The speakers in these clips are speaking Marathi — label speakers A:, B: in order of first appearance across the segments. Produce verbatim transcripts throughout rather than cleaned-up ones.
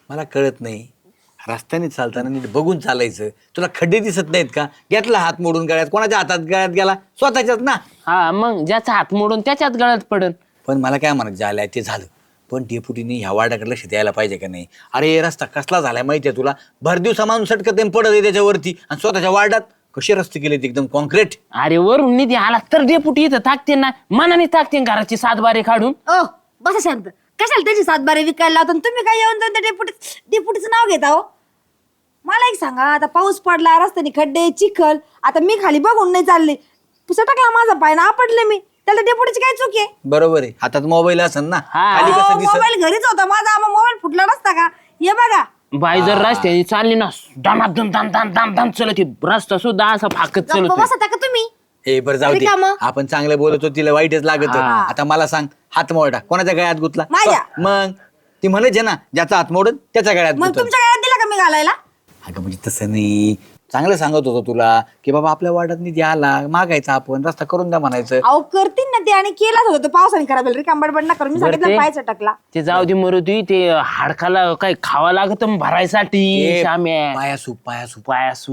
A: मला कळत नाही, रस्त्याने चालताना नीट बघून चालायचं. तुला खड्डे दिसत नाहीत का? घेतला हात मोडून गळ्यात, कोणाच्या हातात गळ्यात गेला? स्वतःच्याच ना.
B: हा मग ज्याचा हात मोडून त्याच्यात गळ्यात पडन.
A: पण मला काय म्हणत झालंय ते झालं, पण डेपुटीने ह्या वार्डाकडे लक्ष द्यायला पाहिजे का नाही? अरे रस्ता कसला झालाय माहितीये तुला? भर दिवसा माणूस सटकत पडत आहे त्याच्यावरती, आणि स्वतःच्या वार्डात कसे रस्ते केलेत एकदम कॉन्क्रीट.
B: अरे वरून निधी आला तर डेपुटी इथं टाकते ना, मनाने टाकते घराची सातबारे काढून.
C: ओ बसा शांत. कशाला त्याची सातबारे विकायला लावता आणि तुम्ही काय येऊन जाऊन त्या डेपुटी डेपुटीचं नाव घेता हो? मला एक सांगा, आता पाऊस पडला, रस्त्याने खड्डे, चिखल, आता मी खाली बघून नाही चालले, टाकला माझा पाय ना आपडले मी, त्याला डेपुटीची काय चूक आहे?
A: बरोबर आहे, हातात मोबाईल असेल ना.
B: हा.
A: खाली कसं दिसत?
C: मोबाईल घरीच होता माझा, मोबाईल फुटला नसता का? हे बघा.
B: बाई जर रस्त्याने चालली ना, दामादम दाम दाम दाम दाम चलत रस्ता सुद्धा असा फाकत
C: गप्प
B: चलत.
C: बसता का तुम्ही?
A: ए बरं जाऊ दे,
C: रिकामं.
A: आपण चांगलं बोलतो, तिला वाईटच लागत. आता मला सांग, हात मोडा कोणाच्या गळ्यात गुतला?
C: माझ्या.
A: मग ती म्हणायचे ना, ज्याचा हात मोडून त्याच्या गळ्यात
C: मग
A: गुतल.
C: तुमच्या गळ्यात दिला का मी घालायला?
A: अगं म्हणजे तसं नाही, चांगलं सांगत होतो तुला की बाबा आपल्या वार्डात निधी आला, मागायचा, आपण रस्ता करून द्या म्हणायचं.
C: अहो करतील ना ते, आणि केलाच होतं तो पावसाने खराब झालं. रिकांबडबड ना करून मी
B: बरं
C: सांगितलं
B: ते-
C: पाय चटकला.
B: ते जाऊ दे मरुदी, ते हाडकाला काय खावा लागत भरायसाठी.
A: ए,
B: शाम्या
A: पायासूप पायासूप
B: पायासू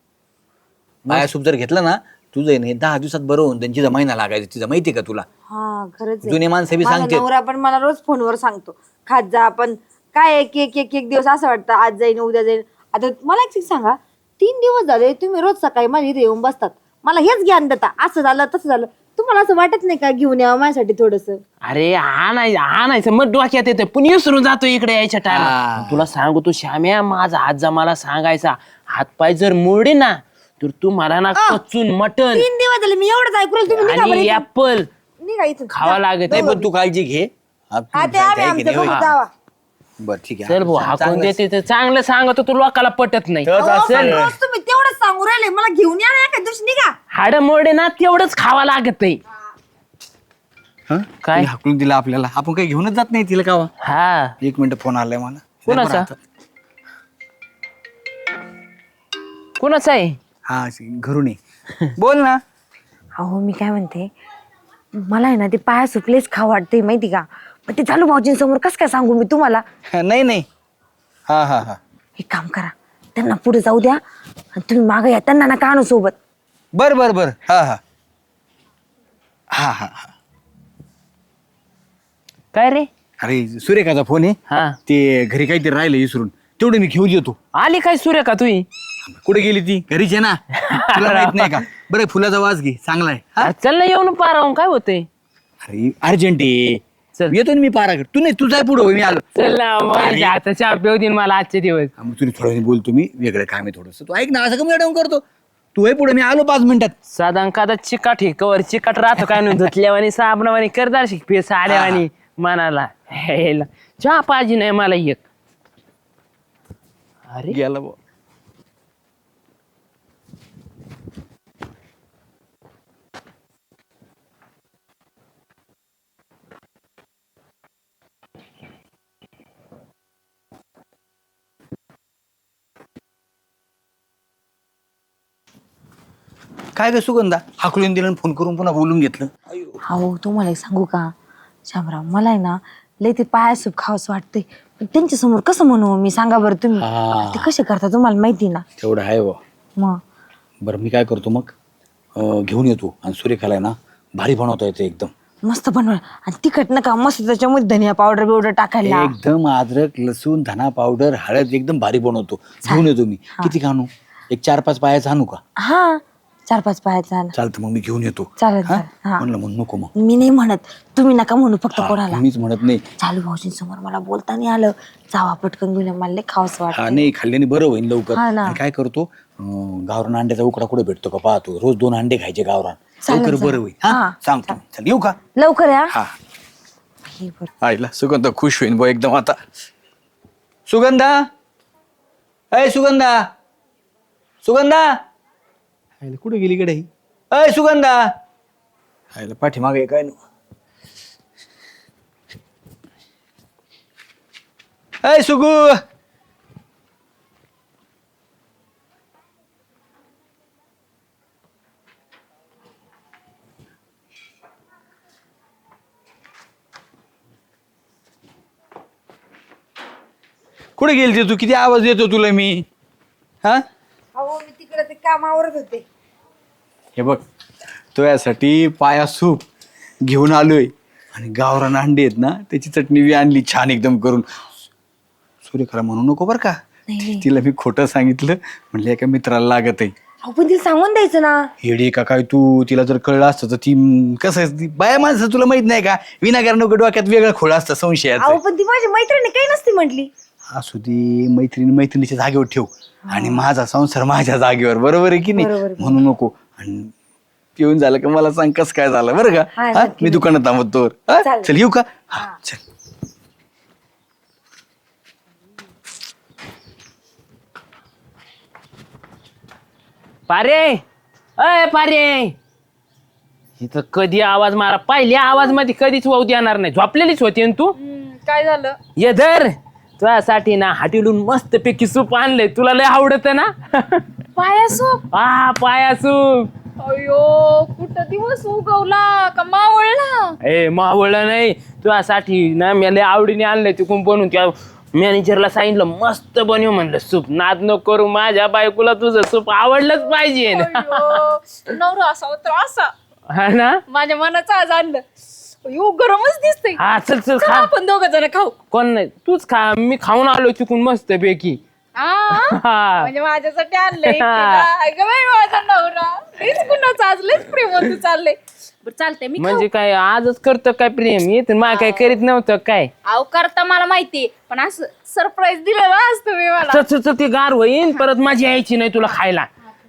A: पायासूप जर घेतलं ना तुझं आहे ना, दहा दिवसात बरं होऊन त्यांची महिना लागायचा. तिचं माहितीये का तुला?
C: हा खरंच आहे.
A: जुने माणसं बी
C: माझा
A: सांगतात.
C: नवरा पण मला रोज फोनवर सांगतो, खात जा. आपण काय एक एक एक एक दिवस असं वाटतं आज जाईन उद्या जाईन. आता मला एक चीज सांगा, तीन दिवस झाले तुम्ही रोज सकाळी माझ्या इथे येऊन बसतात, मला हेच ज्ञान देता, असं झालं तसं झालं. तुम्हाला असं वाटत नाही का घेऊन यावं माझ्यासाठी थोडस?
B: अरे आणायचं आणायचं मग डोक्यात येतं, पण विसरून जातो इकडे यायच्या
A: हा.
B: टायमा. तुला सांगू तू श्याम्या, माझा हात जा मला सांगायचा, हात पाय जर मोडे ना तर तू मला ना कच्चून मटन
C: तीन दिवस झाले मी एवढंच ऐकू राहिले, तुम्ही निघा बरं
B: आणि
C: इथून.
B: ऍपल
C: निघा इथून.
B: खावा लागत
A: नाही
B: आहे.
A: पण तू काळजी घे. हा, तू
C: हा ते
A: जाय-
C: आम्ही
A: जाय की
C: आमचं
A: नाही,
C: बघू
A: होय.
C: जावा.
A: बरं ठीक आहे.
B: चल भाऊ
A: चांगलं-
B: हाकून देते तर चांगलं सांगतो, तू लोकाला पटत नाही.
A: तर
C: अहो,
A: असं-
C: पण रोज तुम्ही तेवढंच सांगू राहिले, मला घेऊन या ना एका दिवशी. निघा.
B: हाड मोडे ना तेवढंच खावा लागत आहे.
A: हं?
B: काय?
A: तिने हाकलून दिला आपल्याला, आपण काही घेऊनच जात नाही तिला कावा.
B: हा
A: एक मिनिट, फोन आलाय मला.
B: कोणाचा? कोणाचं आहे?
A: हा घरून ये. बोल ना.
C: अहो मी काय म्हणते, मला आहे ना ते पाया सुटलेच खा वाटते माहिती का, पण ते चालू भाऊजींसमोर कसं काय सांगू मी तुम्हाला?
A: नाही नाही. हा हा हा
C: एक काम करा, त्यांना पुढे जाऊ द्या आणि तुम्ही मागे या, त्यांना नका आणू सोबत.
A: बर बर बर. हा हा हा हा हा.
B: काय रे?
A: अरे सुरेखाचा फोन आहे.
B: हा
A: ते घरी काहीतरी राहिलं विसरून, तेवढं मी घेऊन येतो.
B: आली काय सुरेखा तुही?
A: कुठे गेली ती? घरीच आहे ना. तुला माहित नाही का? बरं फुलाचा वास घे, चांगला आहे. हा?
B: अरे चल ना येऊन पारावून काय होतंय?
A: अरे अर्जंट आहे.
B: चल.
A: येतो ना मी पाराकडे. तू नाही, तू जाय पुढं, मी आलो.
B: चल ना मग आता चहा पिऊ दे मला आजचे दिवस.
A: हा, मग तुला थोडं वेळ बोलतो मी, वेगळं काम आहे थोडंसं. तू ऐक ना, असं कमी अडवून करतो. तू आहे पुढे, मी आलो पाच मिनिटात.
B: साधारण कादा चिकाट हे कवर चिकाट राहतो काय नाही, धुतल्यावानी साबणावानी करदार शिक पेस आल्यावानी मनाला हेला. चहा पाहिजे नाही मला एक. अरे
A: गेला बुवा. काय ग सुगंधा, हाकलून दिलं आणि फोन करून पुन्हा बोलून घेतलं.
C: अहो तुम्हाला एक सांगू का शामराव, मला आहे ना लय ते पाया सूप खावंसं वाटतंय, पण त्यांच्या समोर कसं म्हणू मी, सांगा बरं तुम्ही.
A: हा.
C: ते कसे करता तुम्हाला माहिती ना.
A: तेवढं आहे बुवा.
C: मग
A: बरं मी काय करतो मग, अं, घेऊन येतो, आणि सुरेखाला आहे ना भारी बनवता येतं एकदम.
C: मस्त बनवा, आणि तिखट नका, मस्त त्याच्यामध्ये धनिया पावडर बिवडर टाकायला.
A: एकदम अद्रक लसूण धना पावडर हळद एकदम भारी बनवतो. घेऊन येतो मी. किती आणू? एक चार पाच पायाचा आणू का?
C: हा चार पाच पायाचा ना.
A: चालतं मग मी घेऊन येतो.
C: चालेल
A: हा?
C: चालेल. हा
A: म्हणलं म्हणून नको मग.
C: मी नाही म्हणत, तुम्ही नका म्हणू फक्त
A: हा,
C: कोणाला.
A: मीच म्हणत नाही.
C: चालू भाऊजींसमोर मला बोलता नाही आलं, जावा पटकन घेऊन या, मला लय खावंसं
A: हा
C: वाटतं.
A: नाही, खाल्ल्याने बरं होईल लवकर.
C: हा ना.
A: आणि काय करतो, अं, गावरान अंड्याचा उकडा कुठे भेटतो का पाहतो, रोज दोन अंडे खायचे गावरान,
C: चालेल,
A: लवकर
C: चालेल.
A: बरं होईल. हा
C: हा,
A: सांगतो. चल येऊ का?
C: लवकर या.
A: हा.
C: हे बरं.
A: आईला सुगंधा खुश होईन बा एकदम आता. सुगंधा, अय सुगंधा, सुगंधा, आईला कुठे गेली कडे ही? अय सुगंधा, आईला पाठीमागे काय नु. अय सुगू, कुठे गेलती तू? किती आवाज देतो तुला मी? हा
C: अहो मी तिकडे ते कामावरच होते.
A: हे बघ, तो यासाठी पाया सूप घेऊन आलोय आणि गावरान अंडे आहेत ना त्याची चटणी बी आणली छान एकदम करून. सूर्यखरा म्हणू नको बरं का, तिला मी खोटं सांगितलं म्हणलं एका मित्राला लागत आहे.
C: अहो पण तिला सांगून द्यायचं ना.
A: हेडी का काय तू? तिला जर कळलं असतं तर ती कसं आहे, ती बाया माणसं तुला माहित नाही का, विनाकारण डोक्यात वेगळं खोळ असतं संशयाचं.
C: अहो पण ती माझी मैत्रिणी काही नसती म्हटली.
A: असू दे, मैत्रिणी मैत्रिणीच्या जागेवर ठेव आणि माझा संसार माझ्या जागेवर, बरोबर आहे की नाही? म्हणू नको. आणि पिऊन झालं का मला सांग कसं काय झालं बरं का.
C: हा,
A: हा?
C: नक्की.
A: मी दुकानात थांबतो. हा?
C: चालेल.
A: चल येऊ का? हा चल.
B: पारे, अय पारे, इथं कधी आवाज मारा, पहिल्या आवाज मध्ये कधीच वाहू देणार नाही. झोपलेलीच होती ना तू.
C: काय झालं?
B: ये धर, तुझ्यासाठी ना हाटीलून मस्त पैकी सूप आणलंय, तुला लय आवडत ना.
C: पाया सूप?
B: हा पाया सूप.
C: अयो कुठं दिवस उगवला का मावळला?
B: ए मावळलं नाही, तुझ्यासाठी ना मी लय आवडीने आणलंय तिकून बनवून. त्या मॅनेजरला सांगितलं मस्त बनव म्हणलं सूप. नाद नको करू, माझ्या बायकोला तुझं सूप आवडलंच पाहिजे.
C: नवरा असा तर असा
B: हा ना,
C: माझ्या मनाचं आज आणलं. अयो गरमच दिसतंय.
B: हा चल चल
C: चला
B: खा.
C: आपण दोघं जण खाऊ.
B: कोण नाही, तूच खा, मी खाऊन आलो तिकून मस्त पैकी. हा.
C: म्हणजे माझ्यासाठी आणलंय एकटीला. अगं बाई माझा नवरा हेच कुणाचं आज लयच प्रेम चाललंय. बरं चालतंय मी
B: म्हणजे काय आजच करतो काय प्रेम? येत मला काय करीत नव्हतं काय?
C: अहो करता मला माहिती, पण असं सरप्राईज दिलं ना आज तुम्ही मला.
B: चल चल चल, ती गार होईन परत माझी यायची नाही तुला खायला.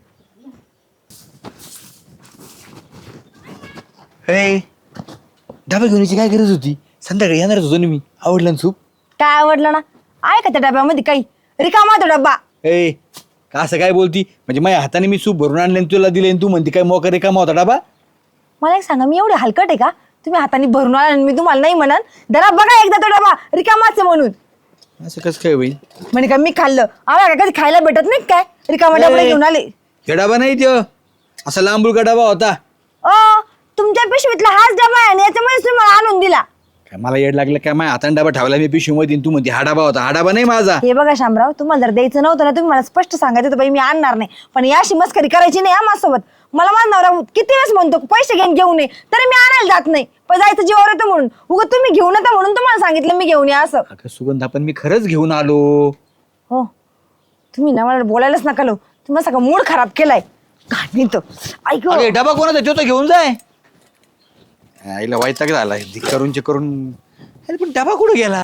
A: ए, डबा घेऊन यायची काय गरज होती? संध्याकाळी येणारच होतो ना मी. आवडलं ना सूप?
C: काय आवडलं ना? आहे का त्या डब्यामध्ये काही? रिकामा तो डब्बा.
A: ए का असं काय बोलती? म्हणजे माझ्या हाताने मी सूप भरून आणले आणि तुला दिले आणि तू म्हणते काय मोका रिकामा होता डबा?
C: मला एक सांगा, मी एवढे हलकट आहे का? तुम्ही हाताने भरून आला आणि मी तुम्हाला नाही म्हणन? जरा बघा एकदा तो डबा रिकामाच आहे म्हणून.
A: असं कसं काय होईल?
C: म्हणजे का मी खाल्लं? आम्हाला कधी खायला भेटत नाही काय? रिकामा डबा घेऊन आले.
A: हे डबा नाही त्यो, असा लांबुळका डबा होता.
C: अ तुमच्या पिशवीतला हाच डबा आहे आणि याच्यामुळे तुम्ही मला आणून दिला.
A: काय मला येड लागलं काय? माझ्या हाताने डबा ठेवला मी पिशवीमध्ये आणि तू म्हणते हा डबा होता. हा डबा नाही माझा.
C: हे बघा शामराव, तुम्हाला जर द्यायचं नव्हतं ना तुम्ही मला स्पष्ट सांगायचं होतं बाई मी आणणार नाही. पण याशी मस्करी करायची नाही हा माझ्यासोबत. मला माझा नवरा किती वेळेस म्हणतो पैसे घेऊन घेऊन ये, तरी मी आणायला जात नाही. पण जायचं जीवावर येतं म्हणून. उगा तुम्ही घेऊन येता म्हणून तुम्हाला सांगितलं मी घेऊन या असं.
A: अगं सुगंधा, पण मी खरंच घेऊन आलो.
C: हो तुम्ही ना मला बोलायलाच नका लो. तुम्ही सगळं मूड खराब केलाय. घाणी तो ऐक
A: अरे डबा कोणाचा? तो तर घेऊन जाय. आईला वैताग झालाय करून करून. अरे पण डबा कुठे गेला?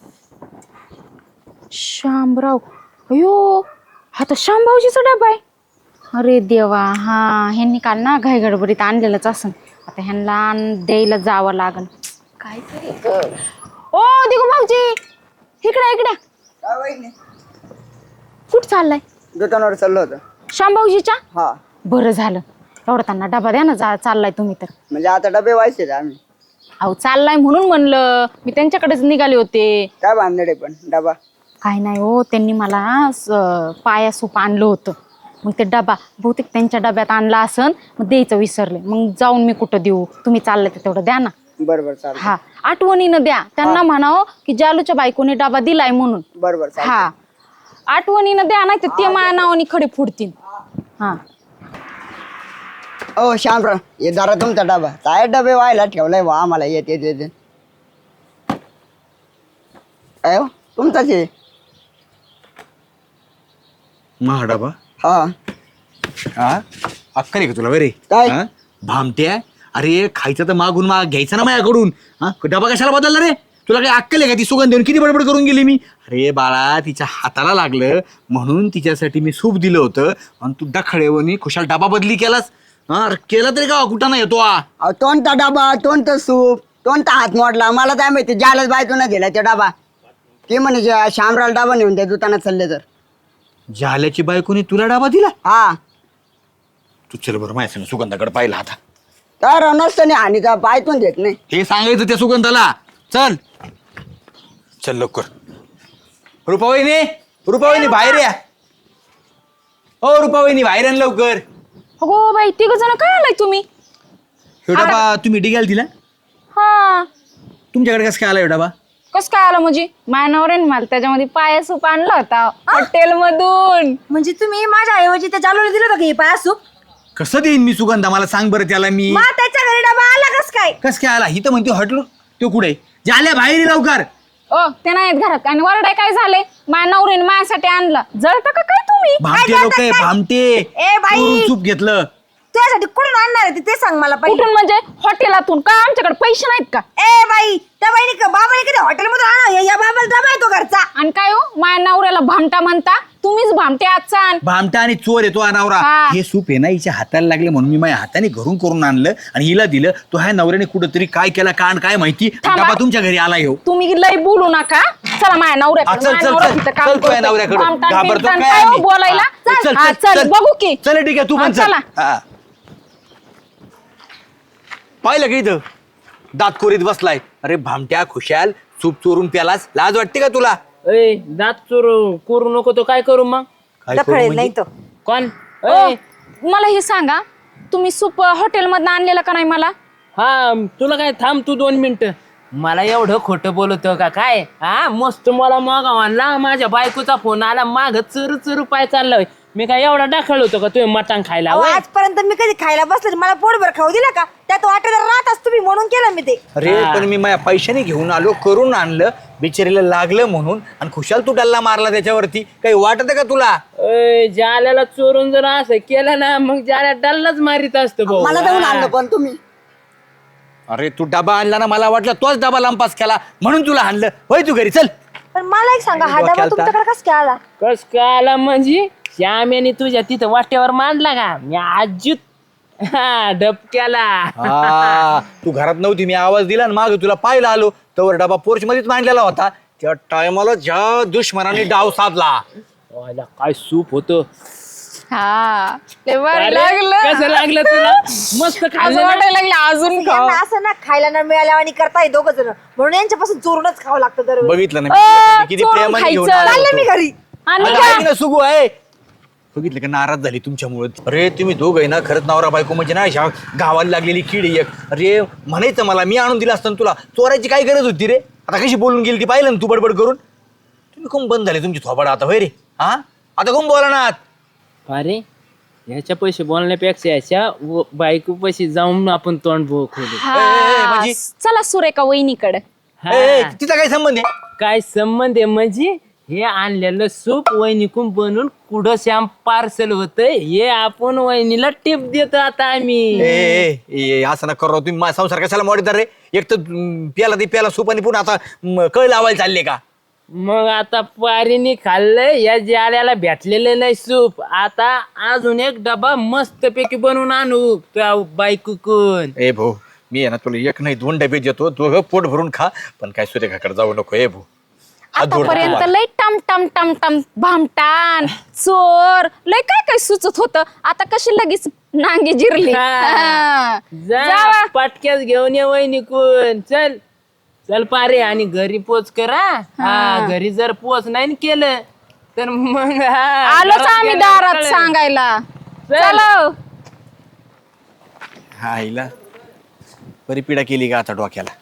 D: शामराव, अयो हा तर शामभाऊजीचा डबा आहे. अरे देवा, हा ह्यांनी काल ना घाई गडबडीत आणलेलंच असन. आता ह्यांना आण- द्यायला जावं लागन. काय तरी ओ दिगू भाऊजी, इकडे इकडे. कुठं चाललाय?
E: दुकानावर चाललो होतं.
D: शामभाऊजीच्या?
E: हा,
D: बरं झालं, एवढं त्यांना डबा द्या ना. जा चाललाय तुम्ही तर.
E: म्हणजे आता डबे व्हायचे आम्ही.
D: अहो चाललाय म्हणून म्हणलं, मी त्यांच्याकडेच निघाले होते.
E: काय बांधले पण डबा?
D: काय नाही हो, त्यांनी मला स- पाया सूप आणलं होतं. मग ते डबा बहुतेक त्यांच्या डब्यात आणला असन, मग द्यायचं विसरले. मग जाऊन मी कुठं देऊ? तुम्ही चाललं तर तेवढं द्या ना.
E: बरोबर चालेल.
D: हा आठवणीनं द्या. त्यांना म्हणावं की जालूच्या बायकोने डबा दिलाय म्हणून.
E: बरोबर चालेल.
D: हा आठवणीनं द्या, नाही तर ते माझ्या नावाने खडे फोडतील. हा
E: ओ श्यामराव, हे जरा तुमचा डबा. काय डबे व्हायला ठेवलाय वा आम्हाला येत येत येते. काय हो? तुमचाच आहे.
A: महा डबा?
E: हा,
A: हा अक्कल आहे का तुला बरे?
E: काय?
A: हा? भामट्या, अरे खायचं तर मागून माग घ्यायचं ना माझ्याकडून. हा डबा कशाला बदलला रे? तुला काही अक्कल आहे का? ती सुगंध देऊन किती बडबड करून गेली मी. अरे बाळा, तिच्या हाताला लागलं म्हणून तिच्यासाठी मी सूप दिलं होतं आणि तू डखळेवणी खुशाल डबा बदली केलास. हा केला तरी का कुठं नाही येतो?
E: अहो कोणता डबा, कोणतं सूप, कोणता हात मोडला मला काय माहिती. ज्यालाच बायतून दिला ते डबा. ते म्हणे जे श्यामरावला डबा नेऊन त्या दुकानात चालले तर.
A: झाल्याची बायकोनी तुला डबा दिला?
E: हा,
A: तू चल बरं माझ्या संग सुगंधाकडे पाहिला आता.
E: तर नसतं आणि त्या बायतून देत नाही.
A: हे सांगायचं त्या सुगंधाला. चल चल लवकर. रुपावहिनी, रुपावहिनी बाहेर या. ओ रुपावहिनी बाहेर आण लवकर.
D: अगो बाई, तिघ जण काय आलाय तुम्ही?
A: ह्यो डबा तुम्ही डिग्याला दिला?
D: हा
A: तुमच्याकडे कसं काय आला ह्यो डबा?
D: कस काय आलं म्हणजे मायनावरेन मला त्याच्यामध्ये पाया सूप आणला होता हॉटेल मधून.
C: म्हणजे तुम्ही माझ्या ऐवजी त्या जालूला दिलं होतं का हे पाया सूप?
A: कसं देईन मी सुगंधा मला सांग बरं त्याला मी.
C: मग त्याच्या घरी डबा आला कस काय?
A: कस काय आला ही तर म्हणते हॉटेल तो कुठे झाल्या बाहेर ये लवकर.
D: ओ ते नाहीत घरात आणि वरडाय काय झाले मायनावरेन माझ्यासाठी आणला जळता का काय तुम्ही?
A: भामटे लोक आहे भामटे.
C: ए बाई!
A: चोरून सूप घेतलं.
C: तुझ्यासाठी कुठून आणणार आहे ते- ते सांग मला पहिले.
D: कुठून म्हणजे हॉटेलातून का आमच्याकडे पैसे नाहीत का?
C: ए बाई त्या बाईने का बाबाने कधी हॉटेलमधून आणा या बाबाला डबा आहे तो घरचा.
D: आणि काय हो माझ्या नवऱ्याला भामटा म्हणता तुम्हीच भामटे आजचा आण.
A: भामटा आणि चोर येतो अनावरा.
D: हा.
A: हे सूप आहे ना हिच्या हाताला लागले म्हणून मी माझ्या हाताने घरून करून आणलं आणि हिला दिलं. तो ह्या नवऱ्याने कुठंतरी काय केला कांड काय माहिती.
D: थांबा.
A: डबा तुमच्या घरी आला येऊ.
D: तुम्ही लय बोलू नका चला माझ्या
A: हा,
D: नवऱ्याकडे.
A: चल,
D: माझ्या
A: चल,
D: नवरा
A: चल.
D: तिथं काम
A: चल, तुझ्या
D: करतोय.
A: नवऱ्याकडे.
D: भामटान
A: घाबरतो
D: बिमटान
A: काय
D: काय हो
A: आम्ही?
D: बोलायला?
A: हा, चल,
D: हा,
A: चल,
D: चल
A: चल.
D: बघू की.
A: चल ठीक आहे तू
D: हा,
A: पण चल.
D: चला.
A: हा. पाहिलं का इथं दात कोरीत बसलाय. अरे भामट्या खुशाल सूप चोरून प्यालास लाज वाटते का तुला?
B: ए दात चोर करू नको तो काय करू मग?
A: काय करू
C: डफळेल
A: म्हणजे?
C: नाही तो.
B: कोण?
D: ओ,
B: ए,
D: मला हे सांगा तुम्ही सूप हॉटेल मधनं आणलेलं का नाही मला?
B: हा तुला काय थांब तू दोन मिनिटं. मला एवढं खोटं बोलतो का काय? हा मस्त मला मागा म्हणला माझ्या बायकोचा फोन आला माग चुरू चुरू पाय चाललाय. मी काय एवढा दाखल होतो का तुम्ही मटण खायला?
C: अहो,
B: होय?
C: आजपर्यंत मी कधी खायला बसले मला पोटभर खाऊ दिला का? त्यात वाटेदार राहत असतो मी म्हणून केलं मी ते.
A: अरे
B: हा.
A: पण मी माझ्या पैशाने घेऊन आलो करून आणलं बिचारीला लागलं म्हणून आणि खुशाल तू डल्ला मारला त्याच्यावरती. काही वाटत का तुला?
B: ए, जाल्याला चोरून जर असं केलं ना मग जाल्या डल्लाच मारित असतो भाऊ.
E: मला जाऊन आणलं पण तुम्ही.
A: अरे तू डबा आणला ना मला वाटलं तोच डबा लांपास केला म्हणून तुला आणलं. होय तू घरी चल.
C: पण मला एक सांगा हा डबा
A: डोक्याला
C: तुमच्याकडे कस काय आला?
B: कस काय आला म्हणजे श्याम्याने तुझ्या तिथं वाट्यावर मांडला का? मी आजूत हा डबक्याला.
A: हा, तू घरात नव्हती मी आवाज दिला आणि माग तुला पाहायला आलो तर डबा पोर्च मध्येच मांडलेला होता. त्या टायमाला ज्या दुश्मनाने डाव साधला.
B: वाला, काय सूप होतं.
D: हा लय भारी
B: अरे,
D: लागलं.
B: कसं लागलं तुला? मस्त
D: असं
B: खाल्लं ना?
D: वाटायला लागलं अजून खाऊ.
C: यांना असं ना खायला न मिळाल्या आणि करताय दोघ जण म्हणून यांच्यापासून चोरूनच खावं लागतं दरवेळी.
A: बघितलं ना
D: अ,
A: मी किती
D: चोरून
A: प्रेमाने घेऊन
D: खायचं.
A: आलो
C: चालले मी
A: होतो.
C: घरी.
D: आणि
A: आता
D: का?
A: ऐक ना सुगू आहे. बघितलं का नाराज झाली तुमच्यामुळे. अरे तुम्ही दोघ आहे ना खरंच नवरा बायको म्हणजे ना ह्या गावाला लागलेली किडी एक. अरे म्हणायचं मला मी आणून दिलं असतं ना तुला. चोरायची काय गरज होती रे? आता कशी बोलून गेली ती पाहिलं ना तू बडबड करून. तुम्ही कोण बंद झाले तुमची थोबाड आता होय रे? हा आता कोण बोला ना.
B: अरे ह्याच्या पैसे बोलण्यापेक्षा ह्याच्या व- बायको पैसे जाऊन आपण तोंड बो खोलू.
A: ए, ए,
D: हा
A: म्हणजे?
D: चला सुरेखा वहिनीकडे.
B: हा.
A: ए, तिचा काय संबंध आहे?
B: काय संबंध आहे म्हणजे हे आणलेलं सूप वहिनीकून बनवून कुठं श्याम पार्सल होतंय हे आपण वहिनीला टिप देतो आता आम्ही.
A: ए, ए, ए, असं ना करू तुम्ही माझा संसार कशाला मोडीदार रे? एक तर अं, प्याला ते प्याला सूप आणि पुन्हा आता म, कळ लावायला चालले का?
B: मग आता पारीने खाल्लंय या जाल्याला भेटलेलं नाही सूप. आता अजून एक डबा मस्त पैकी बनवून आणू त्या बायकून.
A: ए भाऊ मी आहे ना तुला एक नाही दोन डबे देतो दोघं पोट भरून खा पण काय सुरेखाकडे जाऊ नको. ए भाऊ हात जोडतो
D: आतापर्यंत
A: तुम्हाला.
D: लय टम टम टम टम भामटान चोर लय काय काय सुचत होत आता कशी लगेच नांगी जिरली.
B: हा.
D: हा.
B: जा
D: जावा.
B: पटक्यास घेऊन ये वहिनीकून. चल चल पारे आणि घरी पोच करा. हा घरी जर पोच नाही न केलं तर मग हा,
D: आलोच
B: घरात
D: आम्ही
B: गेल्यावर
D: दारात
B: कळेल.
D: सांगायला.
B: चल.
D: चलो
A: हा हिला बरी पिढा केली का आता डोक्याला.